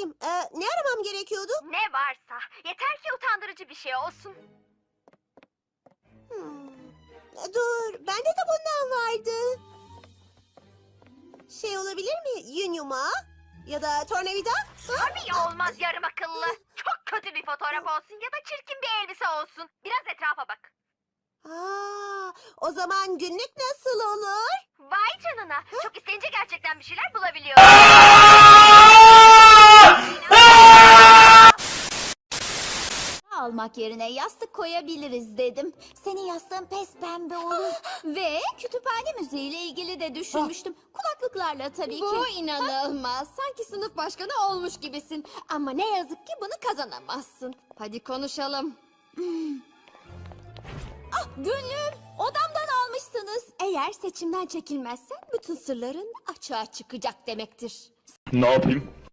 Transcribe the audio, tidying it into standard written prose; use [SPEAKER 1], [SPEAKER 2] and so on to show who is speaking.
[SPEAKER 1] bakayım. Ne aramam gerekiyordu?
[SPEAKER 2] Ne varsa. Yeter ki utandırıcı bir şey olsun.
[SPEAKER 1] Dur, bende de bundan vardı. Şey olabilir mi? Yün yumağı? Ya da tornavida?
[SPEAKER 2] Tabii olmaz yarım akıllı. Çok kötü bir fotoğraf olsun ya da çirkin bir elbise olsun. Biraz etrafa bak.
[SPEAKER 1] O zaman günlük nasıl olur?
[SPEAKER 2] Vay canına. Çok isteyince gerçekten bir şeyler bulabiliyorum.
[SPEAKER 3] Almak yerine yastık koyabiliriz dedim. Senin yastığın pes pembe olur. Ve kütüphane müziğiyle ilgili de düşünmüştüm. Kulaklıklarla tabii ki.
[SPEAKER 4] Bu inanılmaz. Sanki sınıf başkanı olmuş gibisin. Ama ne yazık ki bunu kazanamazsın. Hadi konuşalım.
[SPEAKER 3] Günlüğüm odamdan almışsınız. Eğer seçimden çekilmezsen bütün sırların açığa çıkacak demektir.
[SPEAKER 5] Ne yapayım?